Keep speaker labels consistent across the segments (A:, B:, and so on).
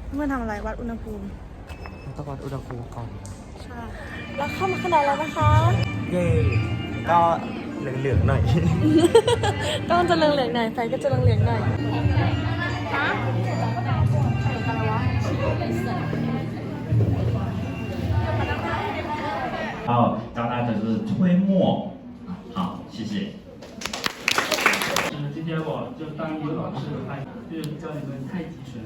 A: เมื่อทำอะไรวัดอุณหภูมิ
B: ต้องวัดอุณหภูมิก่อน
A: ใช่แล้วเข้ามาข้างในแล้วนะคะ
B: เย่ก็เหลืองๆหน่อย
A: ต้องจะเหลืองๆหน่อยไฟก็จะเหลืองๆหน่อย
C: 然后教大家就是推磨，好，谢谢。
D: 今天我就当一个老师的话，就是教你们太极拳。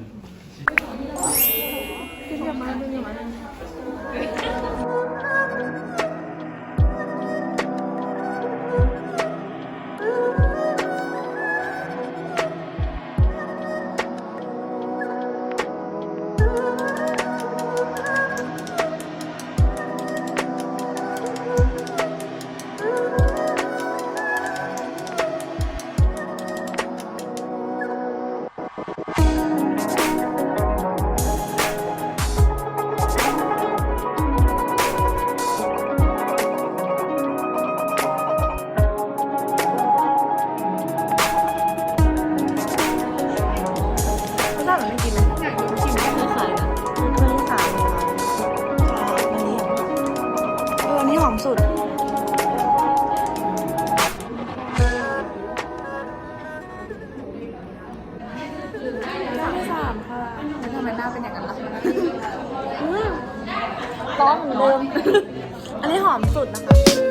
A: หอมสุด3 ค่ะแล้วทำไมหน้าเป็นอย่างนั้นล่ะร้อนเหมือนเดิม อันนี้หอมสุดนะคะ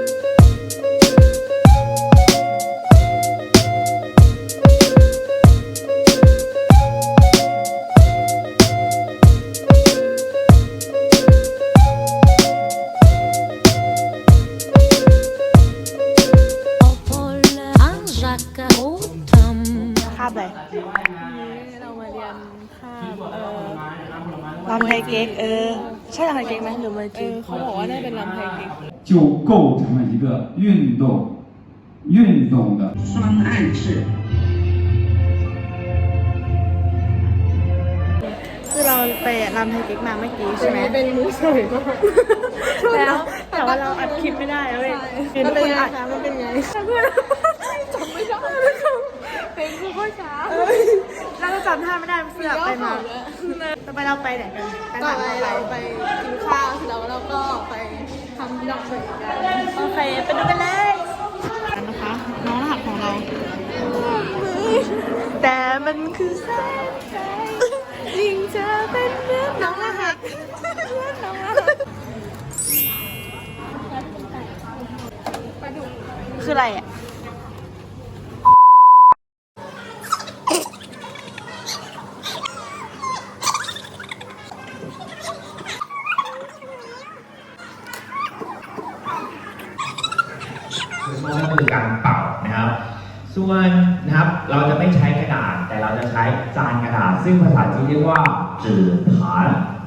A: คาบเลยเรามาเรียนคาบลำไทยเก๊กใช่ลำไทยเก๊กไหมหรือไม่จริงเขาบอกว่าได้เป็นลำไทยเก๊ก
E: 就构成了一个运动的双暗式。
A: คือเราไปลำไทยเก๊กมาเมื่อกี้ใช่ไหมเป็นมือสวยแล้วแต่ว่าเราอัดคลิปไม่ได้เลยมันเป็นไงคะมันเป็นไงเพื่อนจำไม่ได้เพลงคือข้อช้าเราก็จำท่าไม่ได้เสื้อไปมาต่อไปเราไปไหนกันต่อไปเราไปกินข้าวเสร็จแล้วเราก็ไปทำดอกเตอกันโอเคไปดูกันเลยนะคะน้องรหัสของเราแต่มันคือแสงใจยิ่งเธอเป็นเพื่อนน้องรหัสคืออะไรอ่ะ
C: ก็คือการเป่านะครับ ส่วนนะครับเราจะไม่ใช้กระดาษแต่เราจะใช้จานกระดาษซึ่งภาษาจีนเรียกว่าจื่อผาน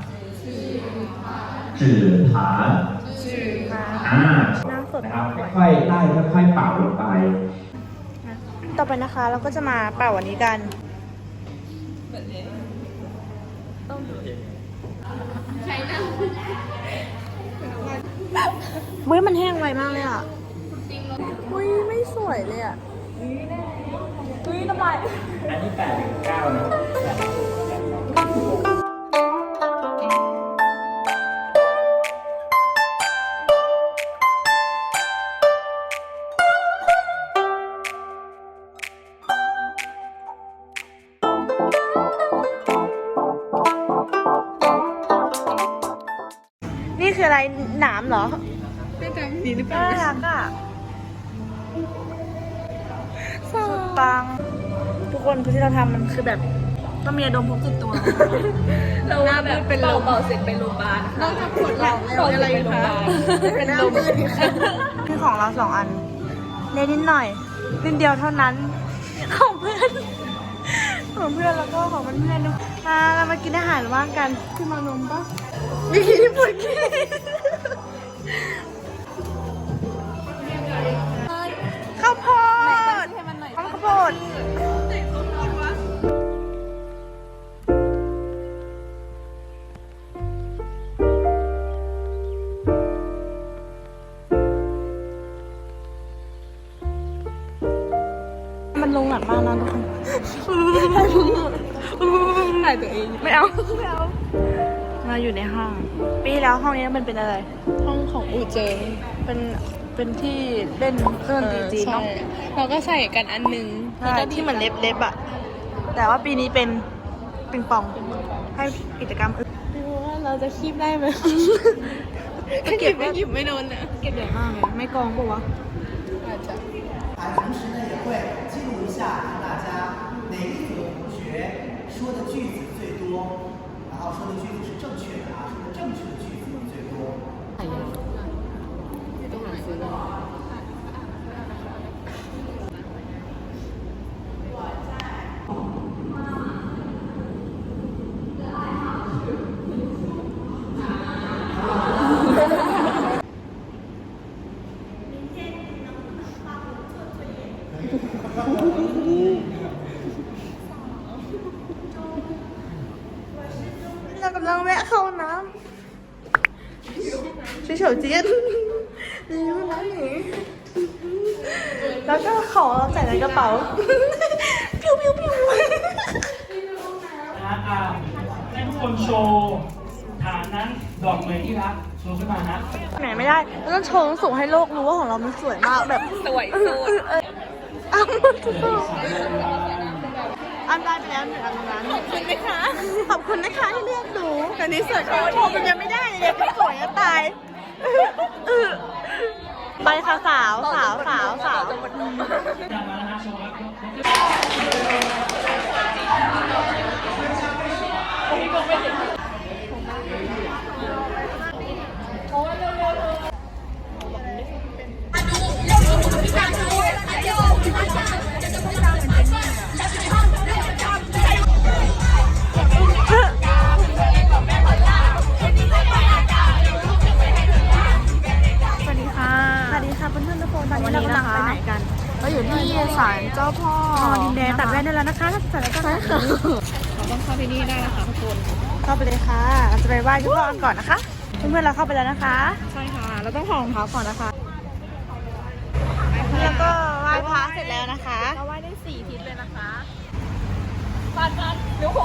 C: นะครับค่อยๆไล่ค่อยๆเป่าลงไป
A: ต่อไปนะคะเราก็จะมาเป่าวันนี้กันเฮ้ยมันแห้งไวมากเลยอ่ะเฮ้ยไม่สวยเลยอ่ะเฮ้ยน้ำลาย
C: อันนี้8-9นะ
A: นี่คืออะไรหนามเหรอเป็นจังสีหรือเปล่าน่ารักอ่ะสุดปังทุกคนคือที่เราทำมันคือแบบต้องมีดมพกติดตัวเราหน้าแบบเป็นเบาเสร็จไปโรงพยาบาลนอกจากปวดหลังแล้วอะไรอีกคะเป็นลมนี่ของเรา2 อันเล็กนิดหน่อยนิดเดียวเท่านั้นของเพื่อนแล้วก็ของเพื่อนๆด้วยเรามากินอาหารว่างกันขึ้นมานมปะมีที่ปวดขี้ข้าวโพดข้าวโพดมันลงหนักมากนะทุกคนถ่ายตัวเองไม่เอาเราอยู่ในห้อง ปีที่แล้วห้องนี้มันเป็นอะไร
F: ห้องของอูเจิง
A: เป็นที่เล่นเครื่องดนตรีจีน
F: ใช่
A: เนาะ
F: เราก็ใส่กันอันหนึง
A: ใช่ที่เหมือนเล็บๆอ่ะ แต่ว่าปีนี้เป็นปิงปอง ให้กิจกรรมอื่น
F: ไม่รู้ว่าเราจะคีบได้ไหม
A: ก็เก็บ
F: ไม่หยิบไม่โดนนะ
A: เก็บใหญ่มากเลยไม่กองปะวะ
F: อาจจะ
G: 同时呢，也会记录一下大家哪一组的同学说的句子最多，然后说的句子是正确的啊，说的正确的句子最多。
A: เรากำลังแวะเข้าน้ำเฉยๆเจี๊ยนนี่ห้องน้ำหนีแล้วก็ของเราใส่ในกระเป๋า ปิ้วปิ้วปิ้ว
D: ให้ทุกคนโชว์ฐานนั้นดอกเหมยที่รักโชว์ขึ้นมาฮะ
A: ไหนไม่ได้เราต้องโชว์สูงให้โลกรู้ว่าของเรามันสวยมากแบบ
F: สวยสุด
A: อ้าวอันได้ไปแล้วหนึ่งอันนั้น
F: ขอบคุณไหมคะ
A: ขอบคุณนะคะที่เลือกหนูแต่นี้สวยโชว์มันยังไม่ได้เลยยังสวยจะตายไปค่ะสาว
D: จากมาแล้วนะโชว์ครับ
A: สวัสดีค่ะเพื่อนๆทุกคนตอนนี้เรากำลังไปไหนกันเราอยู่ที่ศาลเจ้าพ่อดินแดงตัดแว่นได้แล้วนะคะถ้าศาลเจ้าพ่อ
F: เราต้องเข้าที่นี่ได้นะคะทุกคน
A: เข้าไปเลยค่ะเราจะไปไหว้เจ้าพ่อกันก่อนนะคะเพื่อนๆเราเข้าไปแล้วนะคะ
F: ใช่ค่ะ เราต้องถอดรองเท้าก่อนนะคะ
A: แล้วก็ไหว้พระเสร็จแล้วนะคะ
F: เราไหว้ได้4 ทิศเลยนะคะปัดเดี๋ยวผม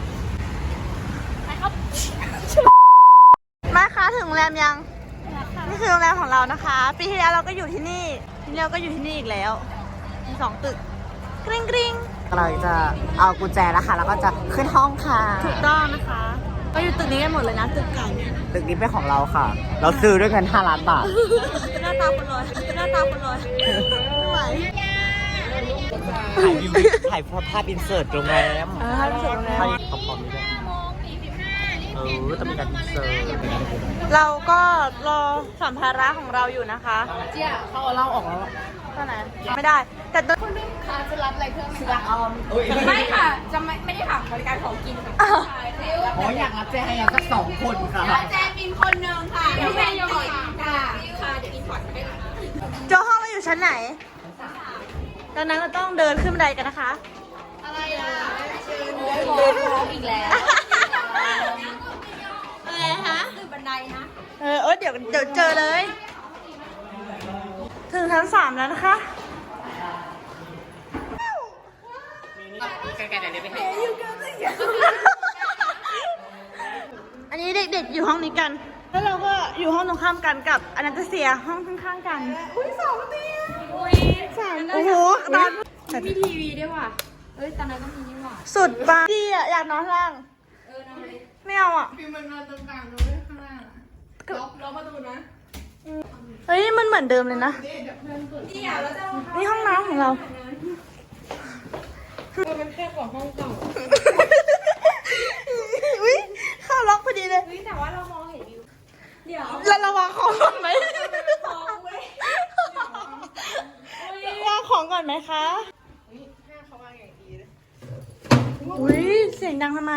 A: มาคะถึงโรงแรมยังนี่คือโรงแรมของเรานะคะ ปีที่แล้วเราก็อยู่ที่นี่ปีนี้เราก็อยู่ที่นี่อีกแล้วมี2 ตึกกริ๊งกริ๊ง
B: เราจะเอากุญแจแล้วค่ะ แล้วก็จะขึ้นห้องค่ะ
A: ถูกต้องนะคะก็อยู่ตึกนี้กันหมดเลยนะตึกเก่า
B: ตึกนี้เป็นของเราค่ะ เราซื้อด้วยเงิน5 ล้านบาท
A: หน้าตาคนรวยหน้าตาคนรวยไม่ไหว
B: ถ่ายวิวถ่ายภาพอินเสิร์ตโรงแรม
A: ให้รู้สึกโรงแรม
B: ถ่ายขอบๆนี่ด้วยต้องมีการอินเสิร์ต
A: เราก็รอสัมภาระของเราอยู่นะคะ
F: เจี๊ยเขาเอาเหล้าออกแล้ว
A: เท่าไหร่ไม่ได้ แต่โดน
F: ค่ะจะรับอะไรเพิ่มไหมคะไม่ค่ะ จะไม่ได้ถามบริการของกินค่ะ
B: อ๋ออยากรับแจให้เราสัก2 คนค่ะ
F: แจมินคนหนึ่งค่ะเดี๋ยวแม่ยกก่อนค่ะเดี๋ยวอินพอร์ตให้ค่ะ
A: โจห้องเราอยู่ชั้นไหนดังนั้นเราต้องเดินขึ้นบันไดกันนะคะ
F: อะไรอ่ะบอกอีกแล้ว
A: อะไรคะ
F: คือบันไดนะ
A: เดี๋ยวเจอเลย ถึงชั้น 3แล้วนะคะ อันนี้เด็กๆอยู่ห้องนี้กัน แล้วเราก็อยู่ห้องตรงข้ามกันกับอนันตเซียห้องข้างๆกันอุ้ย2 เตียงโอ้โหนอน
F: มีทีวีด้วยว่ะเอ้ยตอนนั้นก็มีนี่ว่ะ
A: สุดปังดีอ่ะอยากนอนข้างล่างไม่เอาอ่ะ
F: ฟิวมันนอนตรงกลางด้วยข้างล่างล็อกประตูนะ
A: เฮ้ยมันเหมือนเดิมเลยนะ
F: นี่อ่ะเราจะเอา
A: นี่ห้องน้ำของเรา
F: มันแคบกว่าห้องเก่า
A: อุ้ยเข้าล็อกพอดีเลย
F: เฮ้ยแต่ว่าเรามองเห็นวิวเดี๋ยว
A: แล้วเราวางของก่อนไหม
F: ของเว้ยว
A: างของก่อนไหมคะอุ้ยเสียงดังทำไม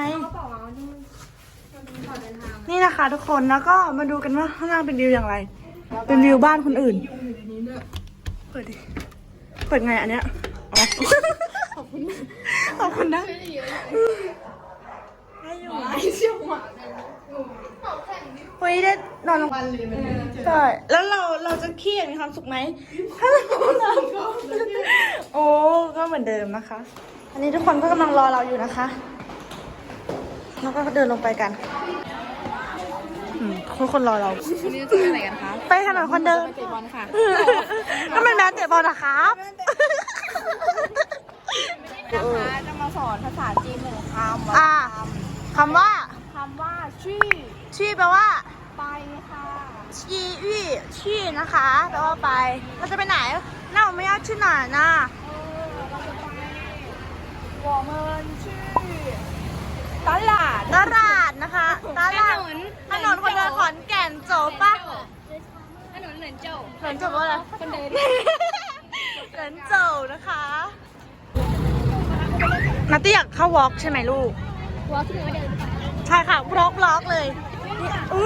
A: นี่นะคะทุกคนแล้วก็มาดูกันว่าข้างล่างเป็นวิวอย่างไร เป็นวิวบ้านคนอื่น เปิดดิ เปิดไงอันเนี้ยอ๋อขอบคุณนะได้อยู่เฮ้ยได้นอนลงใช่แล้วเราจะเครียดมีความสุขไหมถ้าเรานอนโอ้ก็เหมือนเดิมนะคะ อันนี้ทุกคนก็กำลังรอเราอยู่นะคะแล้วก็เดินลงไปกันทุกคนรอเรา
F: วันนี้จะไปไหนกันคะ
A: ไปถนนคนเดิน
F: ไปเตะบอลค่ะ
A: ก็เป็นแมนเตะบอลนะครับ
F: นะคะจะมาสอนภาษาจีนหนึ่งคำ
A: อ่าคำว่า
F: คำว่าชื่อ
A: ชี่แปลว่า
F: ไปค่ะ
A: ชีวี่ชี่นะคะแปลว่าไปเราจะไปไหนน่าไม่ยากที่ไหนนะ
F: เราจะไป我们去ตลาด
A: ตลาดนะคะตลาดถนนคนเดินขอนแก่นโจปะ
F: ถนนเหนินเจ้า
A: ถนนโจว่าอะไร
F: คนเดิน
A: ถนนโจนะคะนัตตี้อยากเข้าวอล์กใช่ไหมลูก
F: วอลที่ไม่เดิน
A: ใช่ค่ะบล็อกเลยอู้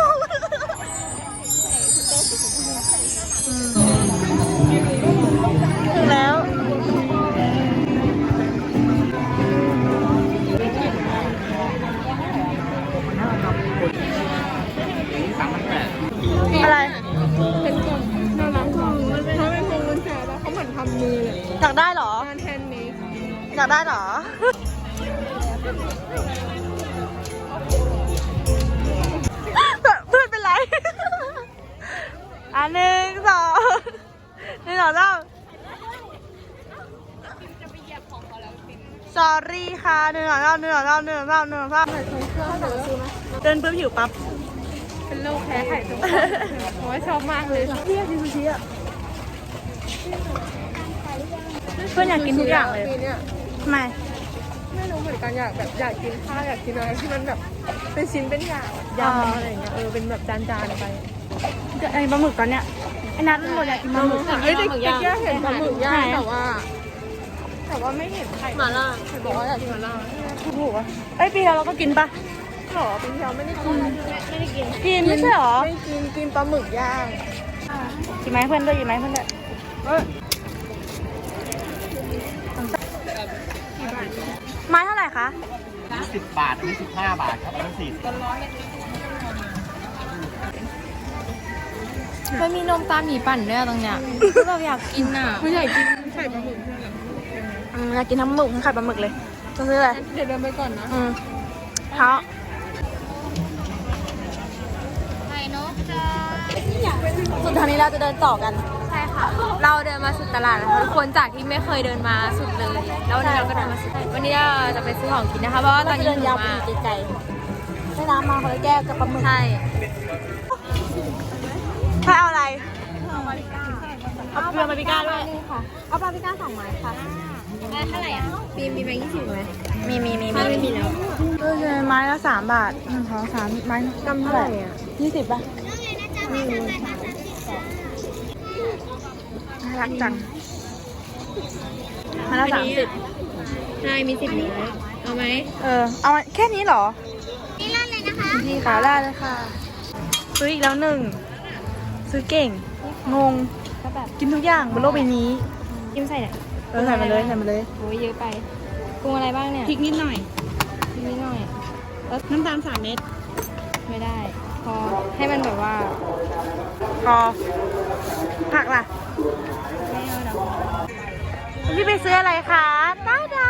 A: ถึงแล้วอะไร
F: เป็นกล่องน่ารักจังมันเป็นเขาเป็นพวงกุญแจแล้วเขาเหมือนทำมือเลย
A: อยากได้เหรอ
F: งานแฮนด์เมด
A: อยากได้เหรอ เพื่อนเป็นไร 1 2 1 2 3 sorry ค่ะ1 2 3 1 2 3 1 2 3 1 2 3เดินปุ๊บหิวปั๊บ
F: เป็นโรคแพ้ไข่ทุกคนโอ้ยชอบมากเลย
A: เรียกซูชิอ่ะเพื่อนอยากกินทุกอย่างเลย
F: ปีนี้
A: ทำไม
F: ไม่รู้เหมือนกันอยากกินข้าวอยากกินอะไรที่มันแบบเป็นชิ้นเป็นอย่างยำอะไรอย่างเงี้ยเป็นแบบจานๆไป
A: ไอ้ปลาหมึกตอนเนี้ยไอ้นัทมันหมดอยากกินปลาหมึก
F: เฮ้ยแต่แค่เห็นปลาหมึกย่างแต่ว่าไม่เห็นไข่หมาล่าเห็นบอกว่าอยากกินหมาล่า
A: ถูกอ่ะไอ้ปีแล้วเราก็กินปะ
F: หรอปีที่แล้วไม่ได้กินไม่ได้กิน
A: กินไม่ใช่หรอ
F: ไม่กินปลาหมึกย่าง
A: กินไหมเพื่อนด้วยกินไหมเพื่อนด้วยไม้เท่าไหร่คะ
B: 10 บาทอันนี้15 บาทครับอันนี้40
F: มันมีนมตาหมีปั่นด้วยตรงเนี้ยคือแบบอยากกินอ่ะไม่อยากกินไข่ปลาหมึก
A: อยากกินทั้งหมึกทั้งไข่ปลาหมึกเลยจะซื้ออะไร
F: เดี๋ยวเดินไปก่อนนะ
A: เท้า
F: ไข่นกจ้า
A: สุดทางนี้เราจะเดินต่อกัน
F: ใช่ค่ะ เราเดินมาสุดตลาดนะคะทุกคนจากที่ไม่เคยเดินมาสุดเลย แล้ววันนี้เราก็เดินมาสุด วันนี้เราจะไปซื้อของกินนะคะ เพราะว่าตอนนี้
A: เดิน
F: หิ
A: ยาว วไป
F: มาก
A: อีกไกลๆให้น้ำมาคนละแก้วกับปลาหมึก
F: ใช่
A: ถ้าเอาอะไรเอาเกลือมาปิก้าด้วย
F: ค่ะ เอาปลาพิก้า2 ไม้ค่ะได้เท่าไหร่อ่ะมีแบงค์20ไหม
A: มี
F: ไม่มีแล้ว
A: ก็คือไม้ละ3 บาท1 2 3ไม้กำเท่าไหร่อ่ะ20ป่ะน่ารักจังไม้ละ30
F: ใช่มี10นิ้วเอาไหม
A: เอาแค่นี้เหรอนี่ราดเลยนะคะพี่ขาราดเลยค่ะซื้ออีกแล้ว1ซื้อเก่งงง
F: ก็แบบ
A: กินทุกอย่างบนโลกใบนี้
F: จิ้มใส่เนี่ย
A: ใส่มาเลยใส่มาเลย
F: โอ้ยเยอะไปปรุงอะไรบ้างเนี่ย
A: พริกนิดหน่อย
F: พริกนิดหน่อย
A: น้ำตาล3 เม็ด
F: ไม่ได้ พอให้มันแบบว่า
A: พอผักล่ะ
F: ไม่เอาเนาะ
A: พี่ไปซื้ออะไรคะตาดา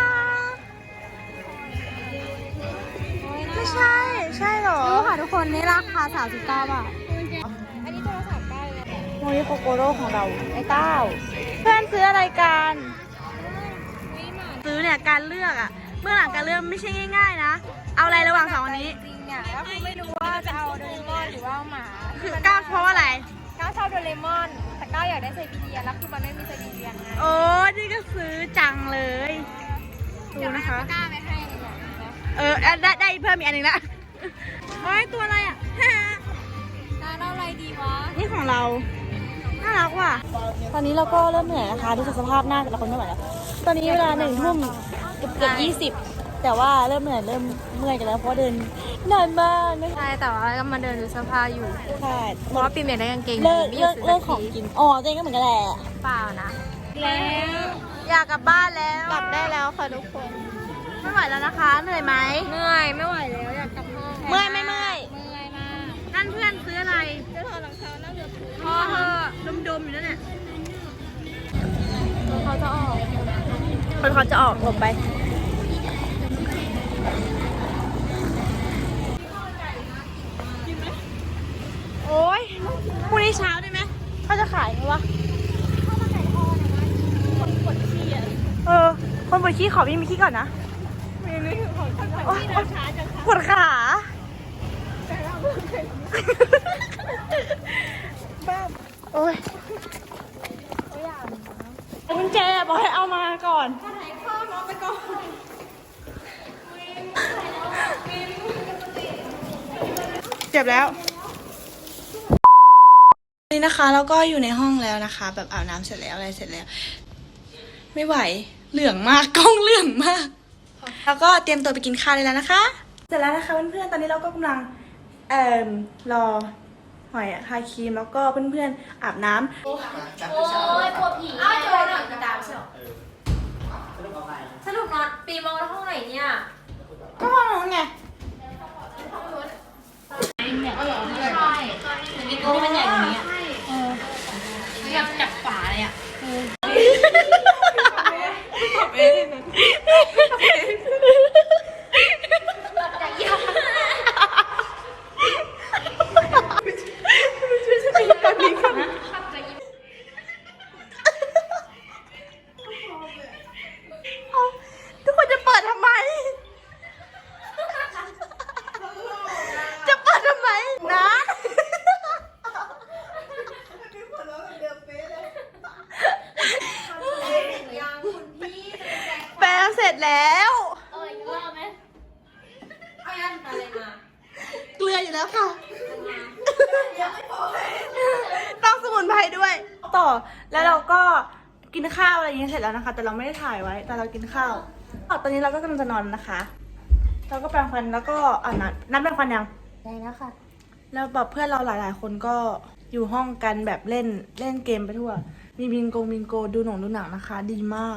A: ไม่ใช่ ใช่เหรอ
F: ดูค่ะทุกคนนี่ราคา39 บาทอันนี้ตัวละ39เลย
A: โมยโคโกโร่ของเราไอ้เต้าเพื่อนซื้ออะไรกัน ซื้อเนี่ยการเลือกอะเมื่อหลังการเลือกไม่ใช่ง่ายๆนะ เอาอะไรระหว่าง2อันนี้
F: จริงเนี่ยแล้วคือไม่รู้ว่าจะเอาโดเรมอนหรือว่าเอาหมา
A: คือก้าวเพราะว่าอะไร
F: ก้าวชอบโดเรมอน แต่ก้าวอยากได้ไซบีเรียนแล้วคือมันไม่มีไซบีเรียนไง
A: โอ้นี่ก็ซื้อจังเลย ดูนะคะ
F: ก้าวไม่ให้เลยนะ
A: ได้เพิ่มอีกอันหนึ่งละโอ้ยตัวอะไรอะ
F: ก้าวเอาอะไรดีวะ
A: นี่ของเรา น่ารักว่ะ ตอนนี้เราก็เริ่มเหนื่อยนะคะดูจากสภาพหน้าแต่ละคนไม่ไหวแล้ว ตอนนี้เวลา1 ทุ่มเกือบ20 แต่ว่าเริ่มเหนื่อยเริ่มเมื่อยกันแล้วเพราะเดินนานมากนะคะ
F: ใช่แต่ว่าก็มาเดินดูเสื้อผ้าอยู่
A: ใช่
F: เพราะว่าปีมอยากได้กางเกง
A: เลิก
F: ไม่
A: เลิก
F: ซื้
A: เลิกของ
F: สัที
A: กิน อ๋อตัวเองก็เหมือนกันแหละ
F: เปล่านะ แล้ว
A: อยากกลับบ้านแล้ว กลับได้แล้วค่ะทุกคน ไม่ไหวแล้วนะคะ เหนื่อยไหม
F: เหนื่อยไม่ไหวแล้วอยากกลับห้อง
A: เมื่อยไม่เมื่อย
F: เมื่อยมาก
A: นั่นเพื่อนซื้ออะไร
F: จะถอดรองเท้าน่าจะถูก
A: พอเธอดมๆอยู่นั่นเนี่ย
F: เขาจะออก
A: คนเขาจะออกหลบไป กพรุ่งนี้เช้าได้ไหมเขาจะขายไหมวะคนปวดขี้ขอวิ่งมีขี้ก่อนนะโอ๊ยปวดขาโอ้ยกุญแจบอกให้เอามาก่อนเจ็บแล้วนี่นะคะแล้วก็อยู่ในห้องแล้วนะคะ แบบอาบน้ำเสร็จแล้วอะไรเสร็จแล้ว ไม่ไหวเหลืองมากกล้องเหลืองมาก แล้วก็เตรียมตัวไปกินข้าวได้แล้วนะคะ เสร็จแล้วนะคะเพื่อนๆตอนนี้เราก็กำลังรอหอยทาครีมแล้วก็เพื่อนๆอาบน้ำ
F: โอ้ยปวดผีอ้าวเจอหนังตามใช่หรอสรุปนอนปีมองแล้วห้องไหนเนี่ย
A: ก็ห้องนู้นไง
F: ใช่มีตัวมันใหญ่กว่านี้อ่ะแบบจับฝาเลยอ่ะ
A: ทุกคนจะเปิดทำไม จะเปิดทำไมนะแปลเสร็จแล้ว
F: อีกรอบไหมเอายันอะไรมา
A: เกลืออยู่แล้วค่ะต้องสมุนไพรด้วย ต่อแล้วเราก็กินข้าวอะไรอย่างเงี้ยเสร็จแล้วนะคะ แต่เราไม่ได้ถ่ายไว้แต่เรากินข้าวตอนนี้เราก็กำลังจะนอนนะคะ เราก็แปรงฟันแล้วก็นัดแปรงฟันยัง
F: ได้แล้วค่ะ
A: แล้วแบบเพื่อนเราหลายๆคนก็อยู่ห้องกันแบบเล่นเกมไปทั่ว มีบิงโกดูหนังนะคะ ดีมาก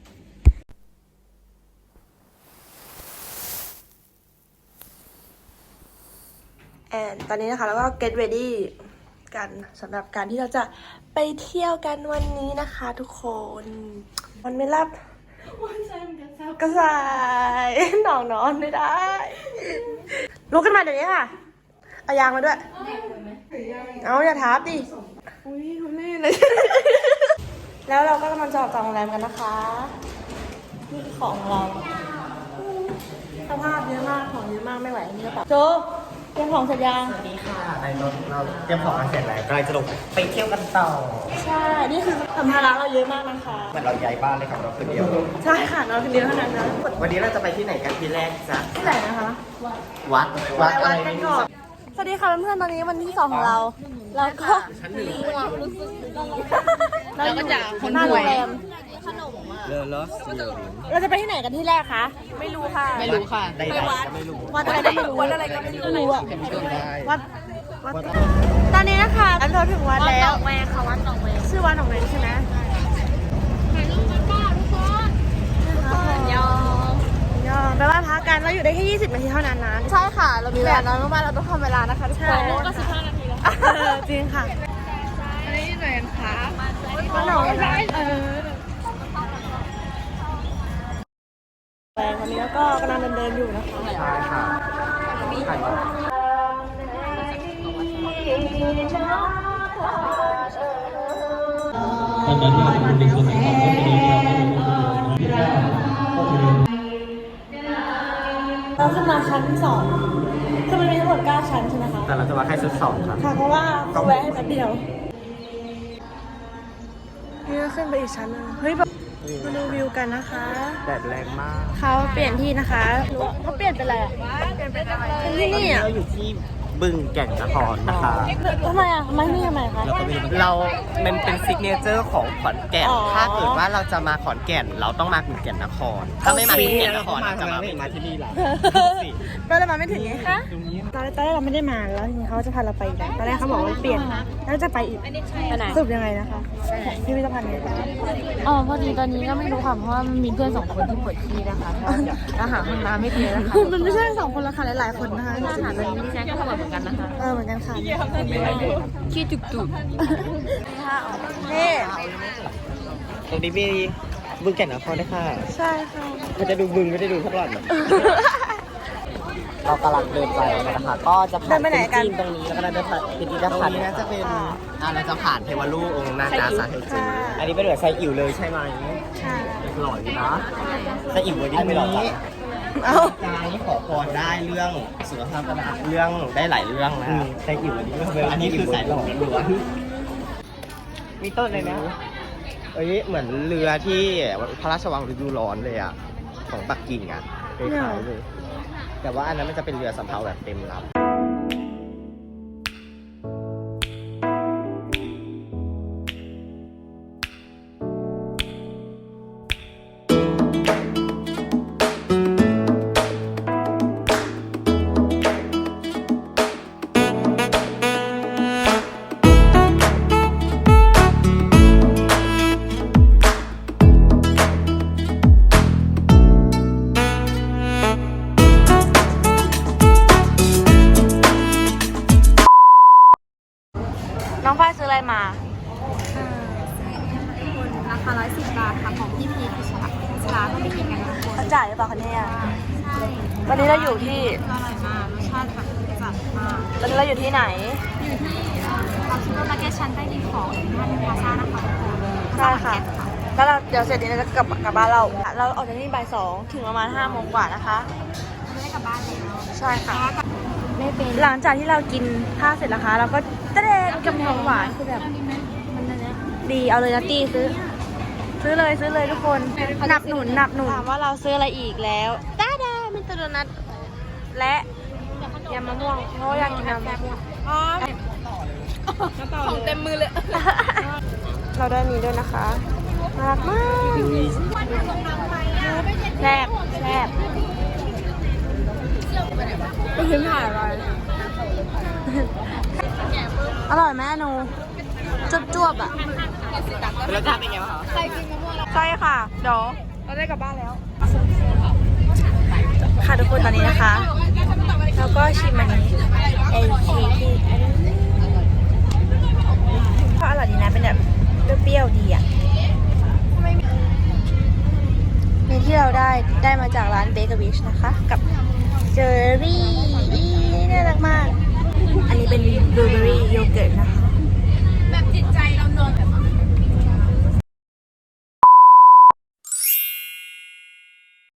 A: ตอนนี้นะคะแล้วก็ get ready กันสำหรับการที่เราจะไปเที่ยวกันวันนี้นะคะ ทุกคนมันไม่รับกระสายหนองนอนไม่ได้ลุกขึ้นมาเดี๋ยวนี้ค่ะเอายางมาด้วยเอาอย่าทับดิอุ้ยคุณแม่เลย แล้วเราก็กำลังจะออกจากโรงแรมกันนะคะนี่คือของเราสภาพเยอะมากของเยอะมากไม่ไหวนี่กระเป๋าโจเตรียมของเสร็จยัง
B: นี่ค่ะในรถเราเตรียมของกันเสร็จแล้วกำลังจะลงไปเที่ยวกันต่อ
A: ใช่ นี่คือสัมภาระเราเยอะมากนะคะ
B: เหมือนเราย้ายบ้านเลยครับเราคนเดียว
A: ใช่ค่ะเราคนเดียวเท่านั้นนะ
B: วันนี้เราจะไปที่ไหนกันที่แรกจ๊ะ
A: ที่ไหนนะคะ
B: วัด
A: วัดกันก่อนสวัสดีค่ะเพื่อนๆตอนนี้วันที่2ของเราแล้วก็
B: ชั้นหนึ่ง
A: เราก็จะคนหน่วย
B: เลอลอส
A: เราจะไปที่ไหนกันที่แรกคะไม่รู้ค่ะ
B: ไม่รู้ค่ะใดๆก็ไม่รู้
A: วัดอะไรก็ไม่รู้วัดอะไรก็ไม่รู้อะวัดตอนนี้นะคะเราถึงวัดแล้ว
F: แม่ค่ะวัดหนองแวง
A: ชื่อวัดหนองแวงใช่ไหม
F: ถ่ายรูปกันบ้าทุกคนยอม
A: แปลว่าพักกันเราอยู่ได้แค่20 นาทีเท่านั้นนะใช่ค่ะ เรามีเวลาน้อยมากๆเราต้องทำเวลานะคะทุกคน
F: ถ่ายรูปก็15 นาทีแล้ว
A: จริงค่ะ
F: อันนี้หน่วยขา
A: วัดหนองแวงวันนี้ก็กำลังเดินอยู่นะคะ
B: ใช่ค่ะถ่ายรูป
A: เราขึ้นมาชั้น2คือมันมีทั้งหมด9ชั้นใช่ไหมคะ
B: แต่เราจะมาแค่ชุด2ครับ
A: ค่ะเพราะว่าเขาแวะให้แป๊บเดียวนี่ก็ขึ้นไปอีกชั้นนึงเฮ้ยแบบมาดูวิวกันนะคะ
B: แดดแรงมาก
A: เขาเปลี่ยนที่นะคะเขาเปลี่ยนเป็นอะไรอ่ะเปลี่ยนเป็นที่นี่อ่ะ
B: เราอยู่ที่บึงแก่นนครนะคะ
A: ทำไมอ่ะไม่นี่ทำไมคะ
B: เรามันเป็นซิกเนเจอร์ของขอนแก่น
A: อ๋อ
B: ถ้าเกิดว่าเราจะมาขอนแก่น เราต้องมาบึงแก่นนคร ถ้าไม่มาบึงแก่นนครเราจะมาไม่มาที่นี่หรอ
A: ก็เลยมาไม่ถึงไงคะตอนแรกเราไม่ได้มาแล้วทีนี้เขาจะพาเราไปอีกตอนแรกเขาบอกว่าเปลี่ยนแล้วจะไปอีก
F: ไปไหน
A: สรุปยังไงนะคะพิพิธภัณฑ์นี้
F: อ๋อพอดีตอนนี้ก็ไม่รู้ค่ะเพราะว่ามันมีเพื่อน2 คนที่ปวดขี้นะคะอาหารมันมาไม่เจอนะคะ
A: มันไม่ใช่2 คนละค่ะหลายๆคนนะคะ
F: อาหารตอนนี้ดิฉันก็ปวดเหมือนกันนะคะ
A: เหมือนกันค่ะ
F: ขี้จุก
A: นี่
B: ตรงนี้มีบึงแก่นนครด้วยค่ะ
A: ใช่ค่ะ
B: มันจะดูบึงไม่ได้ดูพวกหล่อนเรากำลังเดินไปนะคะก็จะผ่าน
A: เดินไปไหนกัน
B: จีนตรงนี้แล้วก็เดินผ่านเป็นที่จะผ่านนี้น่าจะเป็นเราจะผ่านเทวรูปองค์นาจาสาเทจีอันนี้เป็นเหมือนไซอิ๋วเลยใช่ไหม
A: ใช่
B: หล่ออยู่นะไซอิ๋ววันนี้ไม่หล่อจัง
A: เอา
B: การขอพรได้เรื่องสุขภาพเรื่องได้หลายเรื่องนะไซอิ๋วอันนี้คือสายหล่อล้วนมีต้นเลยนะเอ้ยเหมือนเรือที่พระราชวังฤดูร้อนเลยอ่ะของปักกิ่งอ่ะคล้ายๆเลยแต่ว่าอันนั้นมันจะเป็นเรือสำเภาแบบเต็มลำ
A: น้องฝ้ายซื้ออะไรมา
F: ราคา110 บาทค่ะของพี่พีพิชลาต้องไปกินกันทุกคน
A: เขาจ่ายหรือเปล่าคะเนี่ย
F: ใช่
A: วันนี้เราอยู่ที่
F: อร่อยมากรสชาติแบบจัดมาก
A: ตอนนี้เราอยู่ที่ไหน
F: อยู่ที่เราซูเปอร์มาร์เก็ตชั้นใต้ดินของท่านพาซ่านะคะทุกคน
A: ใช่ค่ะ แล้วเราเดี๋ยวเสร็จนี้เราจะกลับบ้านเรา เราออกจากที่บ่าย2ถึงประมาณ5 โมงกว่านะคะ
F: ไม่ได้กลับบ้านแล้ว
A: ใช่ค่ะ
F: ไม่เป็น
A: หลังจากที่เรากินข้าวเสร็จนะคะ เราก็เต้นกับของหวานคือแบบ
F: มันนั่นนะ
A: ดีเอาเลยนะตี้ซื้อเลยทุกคนหนับหนุนถามว่าเราซื้ออะไรอีกแล้วด้ามินตโดนัทและยำมะม่วงเพราะว่าอยากกินยำมะม่วงของเต็มมือเลย เราได้นี้ด้วยนะคะน่ารักมากแซ่บไม่ถึงถ่ายอะไรอร่อยไหมหนูจวบๆอ่ะ
B: รสชาติเป็นไงบ้างคะ
A: ใช่ค่ะ เดี๋ยวเราได้กลับบ้านแล้ว ค่ะทุกคนตอนนี้นะคะ แล้วก็ชิมอันนี้ไอเค้กที่ก็อร่อยดีนะเป็นแบบเปรี้ยวๆดีอ่ะนี่ที่เราได้มาจากร้านเบเกอรี่นะคะ กับเจอรี่น่ารักมาก อันนี้เป็นบลูเบ